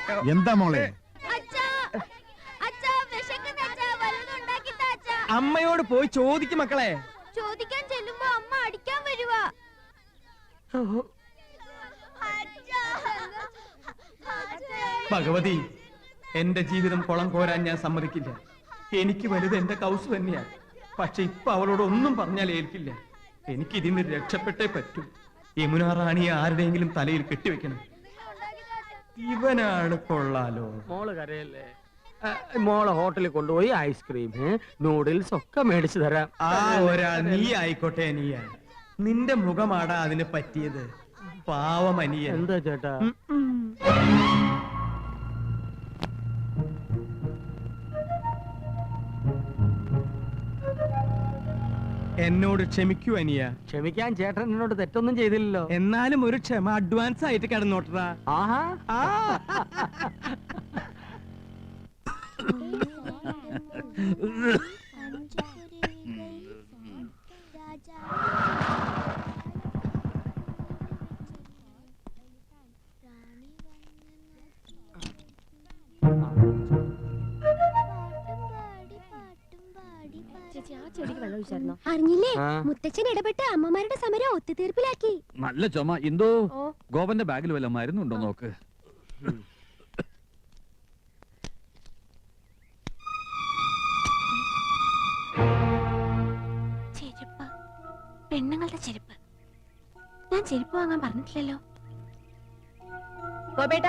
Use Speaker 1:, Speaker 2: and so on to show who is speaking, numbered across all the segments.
Speaker 1: എന്താ മോളെ?
Speaker 2: അമ്മയോട് പോയി ചോദിക്കും മക്കളെ.
Speaker 3: ചോദിക്കാൻ ചെല്ലുമ്പോ അമ്മ അടിക്കാൻ വരുവാ.
Speaker 2: ഭഗവതി, എന്റെ ജീവിതം കുളം കോരാൻ ഞാൻ സമ്മതിക്കില്ല. എനിക്ക് വലുത് എന്റെ കൗസ് തന്നെയാ. പക്ഷെ ഇപ്പൊ അവളോട് ഒന്നും പറഞ്ഞാൽ ഏൽക്കില്ല. എനിക്ക് ഇതിന് രക്ഷപ്പെട്ടേ പറ്റൂ. യമുന റാണിയെ ആരുടെയെങ്കിലും തലയിൽ കെട്ടിവെക്കണം. ഇവനാണ് കൊള്ളാലോ.
Speaker 4: മോള് കരയല്ലേ? മോളെ ഹോട്ടലിൽ കൊണ്ടുപോയി ഐസ്ക്രീം നൂഡിൽസ് ഒക്കെ മേടിച്ചു തരാം.
Speaker 2: ആ ഒരാൾ നീ ആയിക്കോട്ടെ. നീയാ, നിന്റെ മുഖമാടാ അതിന് പറ്റിയത്. പാവമനിയ.
Speaker 4: എന്താ ചേട്ടാ?
Speaker 2: എന്നോട് ക്ഷമിക്കൂ അനിയ.
Speaker 4: ക്ഷമിക്കാൻ ചേട്ടൻ എന്നോട് തെറ്റൊന്നും ചെയ്തില്ലല്ലോ.
Speaker 2: എന്നാലും ഒരു ക്ഷമ അഡ്വാൻസ് ആയിട്ട് കിടന്നോട്ടറാ.
Speaker 4: ആഹാ.
Speaker 3: അറിഞ്ഞില്ലേ? മുത്തച്ഛൻ ഇടപെട്ട് അമ്മമാരുടെ സമരം ഒത്തുതീർപ്പിലാക്കി.
Speaker 5: നല്ല ചുമ. എന്തോ ഗോപന്റെ ബാഗിൽ വല്ല മരുന്നുണ്ടോ നോക്ക്.
Speaker 3: ചെരുപ്പ്, പെണ്ണുങ്ങളുടെ ചെരുപ്പ്. ഞാൻ ചെരുപ്പ് വാങ്ങാൻ പറഞ്ഞിട്ടില്ലല്ലോ. ഗോപേട്ടാ,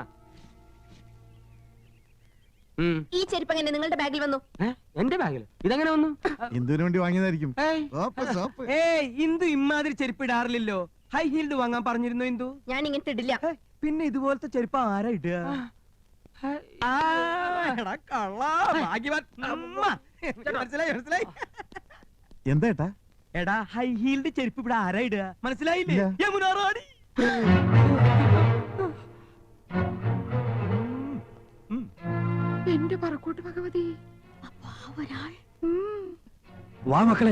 Speaker 3: ഈ ചെരുപ്പ് എങ്ങനെ നിങ്ങളുടെ ബാഗിൽ വന്നു?
Speaker 4: എന്റെ ബാഗിൽ ഇതെങ്ങനെ വന്നു?
Speaker 1: എന്തിനു വേണ്ടി വാങ്ങിയതായിരിക്കും.
Speaker 2: ഇന്ദു ഇമാതിരി ചെരുപ്പ് ഇടാറില്ലല്ലോ. ഹൈ ഹീൽഡ് വാങ്ങാൻ പറഞ്ഞിരുന്നു ഇന്ദു.
Speaker 3: ഞാൻ ഇങ്ങനത്തെ ഇടില്ല.
Speaker 2: പിന്നെ ഇതുപോലത്തെ ചെരുപ്പ് ആരാ ഇടുക?
Speaker 1: എന്താ ഏട്ടാ?
Speaker 2: എടാ, ഹൈ ഹീൽഡ് ചെരുപ്പ് ഇവിടെ ആരാ ഇടുക? മനസ്സിലായില്ലേ? യമുന റാണി.
Speaker 3: എന്റെ പറക്കൂട്ട് ഭഗവതി.
Speaker 5: വാ മക്കളെ.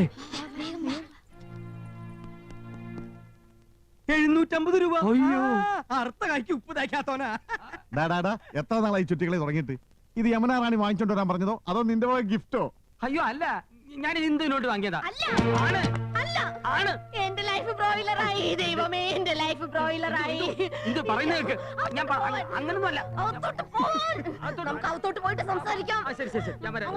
Speaker 2: 750 രൂപ. അയ്യോ, അർത്ഥ കായ്ക്ക് ഉപ്പ് തയ്ക്കാത്തോനാ.
Speaker 1: എത്ര നാളായി ചുറ്റികളെ തുടങ്ങിയിട്ട്? ഇത് യമുന റാണി വാങ്ങിച്ചോണ്ട് വരാൻ പറഞ്ഞതോ അതോ നിന്റെ പോലെ ഗിഫ്റ്റോ?
Speaker 4: അയ്യോ അല്ല, ഞാൻ ഇന്ദുവിനോട്ട് വാങ്ങിയതാ.
Speaker 3: എന്റെ ലൈഫ് ബ്രോയിലറായി. ദൈവമേ, എന്റെ ലൈഫ് ബ്രോയിലറായി.
Speaker 4: ഇത് പറയുന്നേക്ക്. ഞാൻ അങ്ങനൊന്നുമല്ല.
Speaker 3: നമുക്ക് അകത്തോട്ട് പോയിട്ട് സംസാരിക്കാം.
Speaker 4: ശരി ശരി, ഞാൻ വരാം.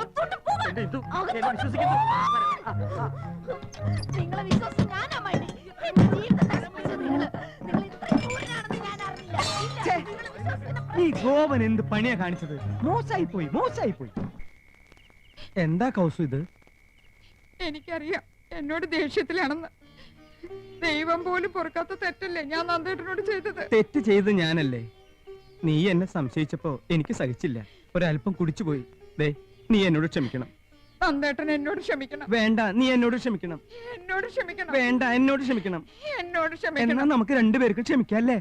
Speaker 3: നിങ്ങളെ വിശ്വാസം ഞാനാ മതി. എന്റെ ജീവിതം നശിപ്പിച്ച നിങ്ങൾ ഇത്രയും ക്രൂരനാണെന്ന് ഞാൻ അറിഞ്ഞില്ല.
Speaker 2: ഈ ഗോപൻ എന്ത് പണിയാ കാണിച്ചത്? മോശമായി പോയി, മോശമായി പോയി. എന്താ കൗസു ഇത്?
Speaker 6: എനിക്കറിയാം എന്നോട് ദേഷ്യത്തിലാണെന്ന്. ദൈവം പോലും പൊറുക്കാത്ത തെറ്റല്ലേ ഞാൻ നന്ദേട്ടനോട് ചെയ്തത്?
Speaker 2: തെറ്റ് ചെയ്ത് ഞാനല്ലേ. നീ എന്നെ സംശയിച്ചപ്പോ എനിക്ക് സഹിച്ചില്ല. ഒരല്പം കുടിച്ചുപോയി. ദേ, നീ എന്നോട് ക്ഷമിക്കണം.
Speaker 6: നന്ദേട്ടൻ എന്നോട് ക്ഷമിക്കണം.
Speaker 2: വേണ്ട, നീ എന്നോട് ക്ഷമിക്കണം.
Speaker 6: എന്നോട് ക്ഷമിക്കണം.
Speaker 2: വേണ്ട, എന്നോട് ക്ഷമിക്കണം.
Speaker 6: എന്നോട് ക്ഷമിക്കണം.
Speaker 2: എന്നാ നമുക്ക് രണ്ടുപേർക്കും ക്ഷമിക്കല്ലേ?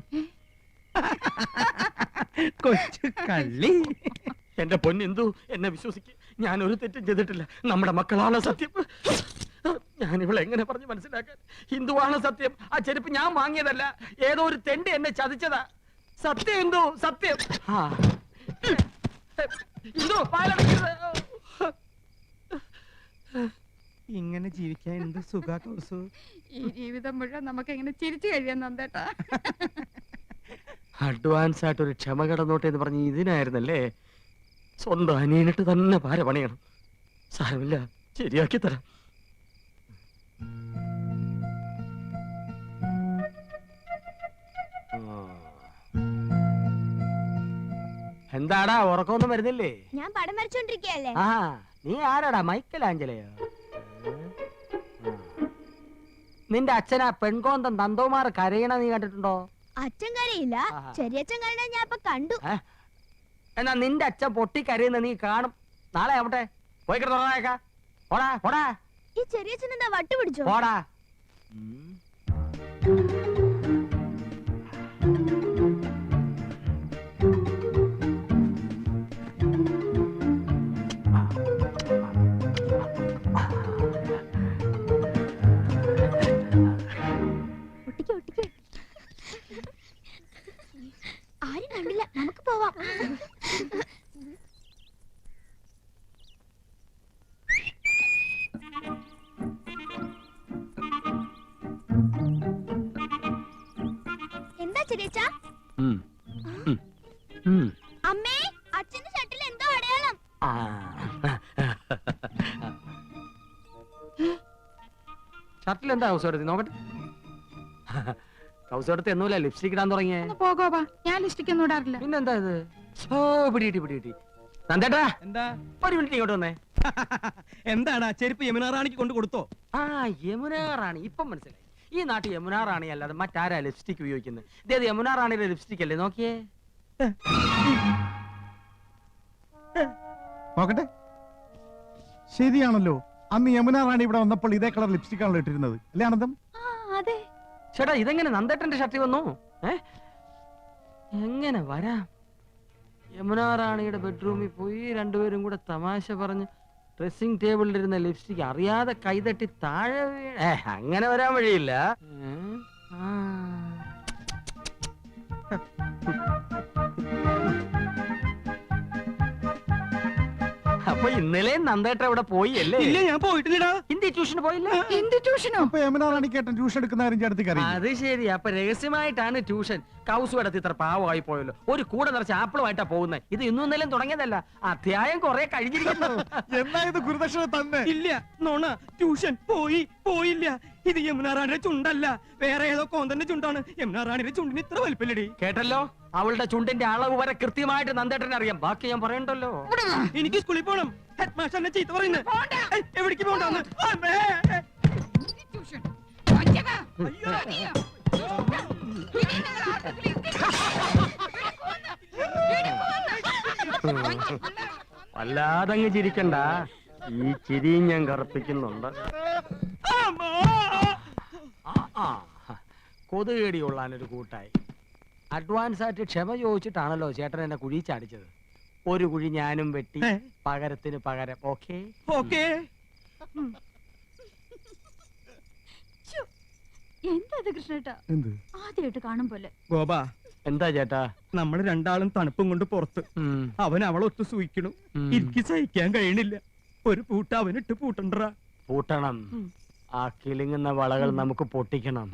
Speaker 2: കൊച്ചു കള്ളി.
Speaker 4: എന്റെ പൊന്നെന്തു, എന്നെ വിശ്വസിക്ക്. ഞാൻ ഒരു തെറ്റും ചെയ്തിട്ടില്ല. നമ്മുടെ മക്കളാണ് സത്യം. ഞാൻ ഇവളെ എങ്ങനെ പറഞ്ഞു മനസ്സിലാക്കാൻ? ഹിന്ദുവാണ് സത്യം. ആ ചെരുപ്പ് ഞാൻ വാങ്ങിയതല്ല. ഏതോ ഒരു തെണ്ടി എന്നെ ചതിച്ചതാ. സത്യം എന്തോ, സത്യം.
Speaker 2: ഇങ്ങനെ ജീവിക്കാൻ എന്ത് സുഖാ കൗസു.
Speaker 6: ഈ ജീവിതം മുഴുവൻ നമുക്ക് എങ്ങനെ ചിരിച്ചു കഴിയാൻ നന്ദേട്ടാ.
Speaker 4: അഡ്വാൻസ് ആയിട്ട് ഒരു ക്ഷമ കടന്നോട്ടെ എന്ന് പറഞ്ഞ് ഇതിനായിരുന്നല്ലേ? സ്വന്തം അനിയനിട്ട് തന്നെ പാര പണിയണം. സാരമില്ല, ശരിയാക്കി തരാം. എന്താടാ, ഉറക്കമൊന്നും വരുന്നില്ലേ?
Speaker 3: ഞാൻ പടം വരച്ചോണ്ടിരിക്കയല്ലേ.
Speaker 4: ആ, നീ ആരാടാ? മൈക്കൽ ആഞ്ചലയോ? നിന്റെ അച്ഛനാ പെൺകോന്തൻ നന്ദകുമാർ കരയണ നീ കണ്ടിട്ടുണ്ടോ?
Speaker 3: അച്ഛൻ കരയില്ല, ചെറിയച്ഛൻ കരയണ ഞാൻ ഇപ്പൊ കണ്ടു.
Speaker 4: എന്നാ നിന്റെ അച്ഛൻ പൊട്ടി കരയുന്ന നീ കാണും. നാളെ ആവട്ടെ, പോയി കിടന്നേക്കാ. പോടാ പോടാ.
Speaker 3: ഈ ചെറിയച്ഛൻ എന്താ വട്ടു പിടിച്ചോ?
Speaker 4: പോടാ.
Speaker 3: ആരും കണ്ടില്ല, നമുക്ക് പോവാം. എന്താ ചെറിയച്ചാ?
Speaker 4: ഉം. ഉം. ഉം.
Speaker 3: അമ്മേ, അച്ഛന്റെ ഷർട്ടിൽ എന്തോ അടയാളം.
Speaker 4: ആ. ഷർട്ടിൽ എന്താ കൗസോടത്തി നോക്കട്ടെ. കൗസോടത്തി എന്നൂല ലിപ്സ്റ്റിക് ഇടാൻ തുടങ്ങിയേ.
Speaker 6: ഒന്ന് പോ ഗോപ, ഞാൻ ലിസ്റ്റിക്ക് ഒന്നും ഇടാറില്ല.
Speaker 4: പിന്നെന്താ ഇത്? ഓ പിടികിട്ടി. നന്ദേട്ടാ
Speaker 7: എന്താ
Speaker 4: ഒരു മിനിറ്റ് ഇങ്ങോട്ട് വന്നേ.
Speaker 7: എന്താണ് ചെരുപ്പ് യമുന റാണിക്ക് കൊണ്ട് കൊടുത്തോ?
Speaker 4: ആ യമുന റാണി ഇപ്പം മനസ്സിലായി. ഈ നാട്ടിൽ യമുന റാണി അല്ലാതെ മറ്റാരാ ലിപ്സ്റ്റിക് ഉപയോഗിക്കുന്നത്? ഇതേത് യമുന റാണിയുടെ ലിപ്സ്റ്റിക് അല്ലേ? നോക്കിയേ.
Speaker 1: നോക്കട്ടെ, ശരിയാണല്ലോ. അന്ന് യമുന റാണി ഇവിടെ വന്നപ്പോൾ ഇതേ കളർ ലിപ്സ്റ്റിക് ആണല്ലോ ഇട്ടിരുന്നത്, അല്ലേ ആനന്ദം?
Speaker 3: അതെ.
Speaker 4: ചേട്ടാ ഇതെങ്ങനെ നന്ദേട്ടന്റെ ഷർട്ടിൽ വന്നു? എങ്ങനെ വരാം? യമുന റാണിയുടെ ബെഡ്റൂമിൽ പോയി രണ്ടുപേരും കൂടെ തമാശ പറഞ്ഞ് ഡ്രസ്സിംഗ് ടേബിളിലിരുന്ന ലിപ്സ്റ്റിക് അറിയാതെ കൈതട്ടി താഴെ അങ്ങനെ വരാൻ വഴിയില്ല. അപ്പൊ ഇന്നലെ നന്ദേട്ട ഇവിടെ പോയി അല്ലേ?
Speaker 7: ഇല്ല, ഞാൻ പോയിട്ടില്ലടാ.
Speaker 4: ഹിന്ദി ട്യൂഷന് പോയില്ല?
Speaker 6: എന്ത് ട്യൂഷനോ?
Speaker 1: അപ്പൊ യമുന റാണിക്കേട്ടൻ ട്യൂഷൻ എടുക്കുന്ന കാര്യം ചേട്ടത്തിക്ക് അറിയില്ലേ?
Speaker 4: അത് ശരി. അപ്പൊ രഹസ്യമായിട്ടാണ് ട്യൂഷൻ. കൗസു എടുത്ത് ഇത്ര പാവമായി പോയല്ലോ. ഒരു കൂടെ നിറച്ച് ആപ്പിളുമായിട്ടാ പോകുന്നത്. ഇത് ഇന്നും ഇന്നലെയും തുടങ്ങിയതല്ല, അധ്യായം കുറെ കഴിഞ്ഞിരിക്കുന്നു.
Speaker 1: എന്നാ ഇത് ഗുരുദക്ഷിണ തന്നെ?
Speaker 7: ഇല്ല, നോണ. ട്യൂഷൻ പോയില്ല. ഇത് യമുന റാണിയുടെ ചുണ്ടല്ല, വേറെ ഏതോ കോന്തന്റെ ചുണ്ടാണ്. യമുന റാണിയുടെ ചുണ്ടിന് ഇത്ര വലിപ്പല്ലടി.
Speaker 4: കേട്ടല്ലോ, അവളുടെ ചുണ്ടിന്റെ അളവ് വരെ കൃത്യമായിട്ട് നന്ദേട്ടനെ അറിയാം. ബാക്കി ഞാൻ പറയണ്ടല്ലോ.
Speaker 7: എനിക്ക് സ്കൂളിൽ പോണം. ഹെഡ് മാസ്റ്റർ എന്നെ ചീത്ത പറയുന്നത്. എവിടേക്ക് പോകണ്ടെന്ന്?
Speaker 6: ട്യൂഷൻ. വഞ്ചക. അയ്യോ. ഇനി നിങ്ങൾ ആർക്കെങ്കിലും
Speaker 4: വല്ലാതങ്ങ് ചിരിക്കണ്ട. ഈ ചിരിയും ഞാൻ കറുപ്പിക്കുന്നുണ്ട്. കൊതുകേടി കൊള്ളാനൊരു കൂട്ടായി. അഡ്വാൻസ് ആയിട്ട് ക്ഷമ ചോദിച്ചിട്ടാണല്ലോ ചേട്ടൻ എന്നെ കുഴി ചാടിച്ചത്. ഒരു കുഴി ഞാനും വെട്ടി, പകരത്തിന് പകരം. Okay
Speaker 7: okay.
Speaker 3: എന്താ കൃഷ്ണേട്ടാ?
Speaker 1: എന്ത്?
Speaker 3: ആദ്യമായിട്ട് കാണും പോലെ.
Speaker 7: ഗോപ,
Speaker 4: എന്താ ചേട്ടാ?
Speaker 7: നമ്മള് രണ്ടാളും തണുപ്പും കൊണ്ട് പുറത്ത്. അവൻ അവളൊത്ത് സൂയിക്കണു. എനിക്ക് സഹിക്കാൻ കഴിയണില്ല. ഒരു പൂട്ട അവനിട്ട് പൂട്ടണ്ടറാ.
Speaker 4: പൂട്ടണം. ആ കിളിങ്ങുന്ന വളകൾ നമുക്ക് പൊട്ടിക്കണം.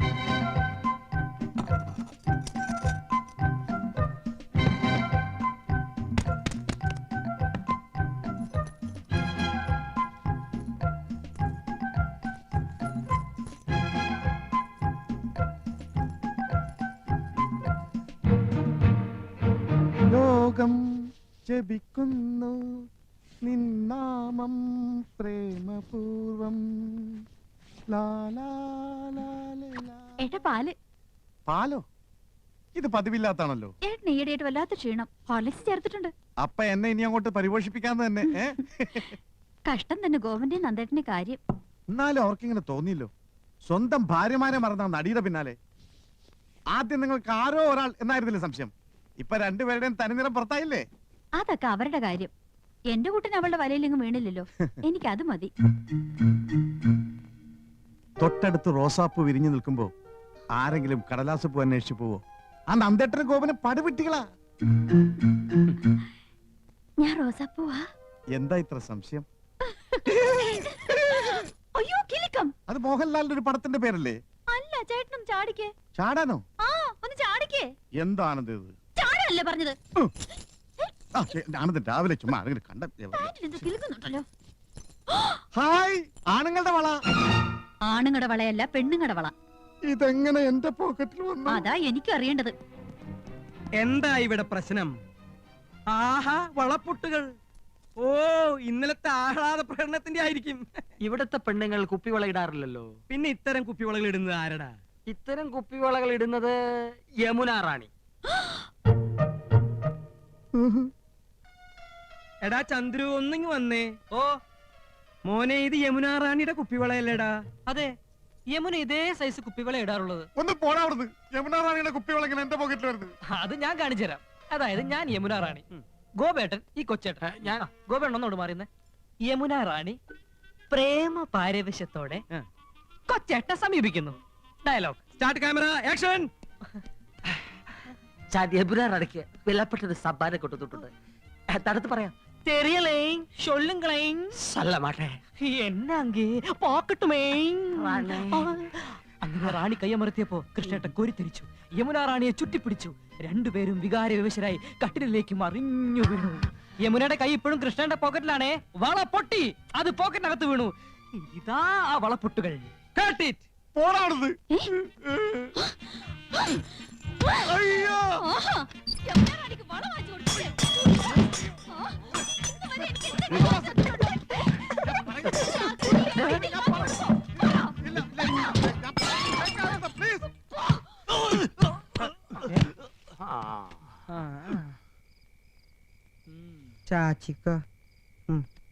Speaker 1: ലോകം ജപിക്കുന്നു നിന്നാമം പ്രേമപൂർവം.
Speaker 3: ഏട്ടാ പാല്.
Speaker 1: പാലോ? ഇത് പതിവില്ലാത്താണല്ലോ.
Speaker 3: ഏട്ടൻ ഈയിടെയായിട്ട് വല്ലാത്ത ക്ഷീണം. ഹോർലിക്സ് ചേർത്തിട്ടുണ്ട്.
Speaker 1: അപ്പൊ എന്നെ ഇനി അങ്ങോട്ട് പരിപോഷിപ്പിക്കാന്ന് തന്നെ.
Speaker 3: കഷ്ടം തന്നെ ഗോവന്റെ നന്ദേട്ടന്റെ കാര്യം.
Speaker 1: എന്നാലും അവർക്കിങ്ങനെ തോന്നിയില്ലോ. സ്വന്തം ഭാര്യമാരെ മറന്ന നടിയുടെ പിന്നാലെ. ആദ്യം നിങ്ങൾക്ക് ആരോ ഒരാൾ എന്നായിരുന്നില്ലേ സംശയം? ഇപ്പൊ രണ്ടുപേരുടെയും തനിനിറം പുറത്തായില്ലേ?
Speaker 3: അതൊക്കെ അവരുടെ കാര്യം. എന്റെ കൂട്ടിന് അവളുടെ വലയിലെങ്ങും വീണില്ലല്ലോ. എനിക്ക് അത് മതി.
Speaker 1: തൊട്ടടുത്ത് റോസാപ്പൂ വിരിഞ്ഞു നിൽക്കുമ്പോ ആരെങ്കിലും കടലാസപ്പൂ അന്വേഷിച്ചു പോവോ? ആ നന്ദേട്ടനും ഗോപനും പടുവിട്ടികളാ.
Speaker 3: ഞാൻ റോസാപ്പൂവാ.
Speaker 1: എന്താ ഇത്ര സംശയം?
Speaker 3: അയ്യോ കിലുക്കം.
Speaker 1: അത് മോഹൻലാലിന്റെ ഒരു പടത്തിന്റെ പേരല്ലേ?
Speaker 3: അല്ല, ചേട്ടനും ചാടിക്കേ.
Speaker 1: ചാടാനോ?
Speaker 3: ആ, ഒന്ന് ചാടിക്കേ.
Speaker 1: എന്താണത് ഇത്?
Speaker 3: ചാടല്ലേ പറഞ്ഞത്?
Speaker 1: ആനന്ദൻ രാവിലെ ചുമ്മാ ആരെങ്കിലും കണ്ട.
Speaker 3: പാന്റിലെന്തോ കിലുക്കുന്നുണ്ടല്ലോ.
Speaker 1: ഹായ്, ആണുങ്ങളുടെ വള.
Speaker 3: ആണുങ്ങളുടെ വളയല്ല, പെണ്ണുങ്ങളുടെ വള.
Speaker 1: ഇതെങ്ങനെ എന്റെ പോക്കറ്റിൽ വന്നു?
Speaker 3: അതാ എനിക്ക് അറിയേണ്ടത്.
Speaker 7: എന്താ ഇവിടെ പ്രശ്നം? ആഹാ, വളപ്പൊട്ടുകൾ. ഓ, ഇന്നലത്തെ ആഹ്ലാദ പ്രകടനത്തിന്റെ ആയിരിക്കും.
Speaker 4: ഇവിടത്തെ പെണ്ണുങ്ങൾ കുപ്പിവള ഇടാറില്ലല്ലോ.
Speaker 7: പിന്നെ ഇത്തരം കുപ്പിവളകൾ ഇടുന്നത് ആരടാ?
Speaker 4: ഇത്തരം കുപ്പിവളകൾ ഇടുന്നത് യമുന റാണി.
Speaker 7: എടാ ചന്ദ്രു, ഒന്നിങ്ങ് വന്നേ. ഓ മോനെ, ഇത് യമുന റാണിയുടെ കുപ്പിവളയല്ലേടാ?
Speaker 8: അതെ, യമുന ഇതേ സൈസ് കുപ്പിവള ഇടാറുള്ളത്.
Speaker 1: ഒന്ന് പോടാ അവിടുന്ന്. യമുന റാണിയുടെ കുപ്പിവള ഇങ്ങനെ എന്റെ പോക്കറ്റിൽ വരുന്നത്.
Speaker 8: അത് ഞാൻ കാണിച്ചു തരാം. അതായത് ഞാൻ യമുന റാണി, ഗോപേട്ടൻ ഈ കൊച്ചേട്ടൻ. ഞാൻ ഗോപേട്ടൻ ഒന്നോട് മാറിയുന്നേ. യമുന റാണി പ്രേമ പാരവശ്യത്തോടെ കൊച്ചേട്ട സമീപിക്കുന്നു. Dialogue
Speaker 7: start, camera, action.
Speaker 9: ഞാൻ യമുന റാണിക്ക് വിലപ്പെട്ടൊരു സമ്മാനം കൊണ്ടുവന്നിട്ടുണ്ട്. തടുത്ത് പറയാം.
Speaker 8: தெரியலேங் சொல்லுங்களேங்.
Speaker 9: சொல்ல மாட்டேன்.
Speaker 8: என்ன அங்கே பாக்கட்டுமேங்.
Speaker 9: റാണി.
Speaker 8: അങ്ങനെ റാണി കയ്യമർത്തിയപ്പോ കൃഷ്ണേട്ടൻ കോരിത്തിരിച്ചു. യമുന റാണിയെ ചുറ്റിപ്പിടിച്ചു. രണ്ടുപേരും വികാര വിവശരായി കട്ടിലേക്ക് മറിഞ്ഞു വീണു. യമുനയുടെ കൈ ഇപ്പോഴും കൃഷ്ണന്റെ പോക്കറ്റിലാണേ. വള പൊട്ടി, അത് പോക്കറ്റിനകത്ത് വീണു. ഇതാ ആ വളപ്പൊട്ടുകൾ.
Speaker 1: പോടാണത്. അയ്യോ
Speaker 3: ആഹാ, യമുന റാണിക്ക് വള വാങ്ങിച്ചു കൊടുത്തില്ലേ? ആ, ഇന്നുവരെ എനിക്ക് എന്തെങ്കിലും സത്യമുണ്ടോ?
Speaker 1: പ്ലീസ്
Speaker 7: ചാച്ചിക്ക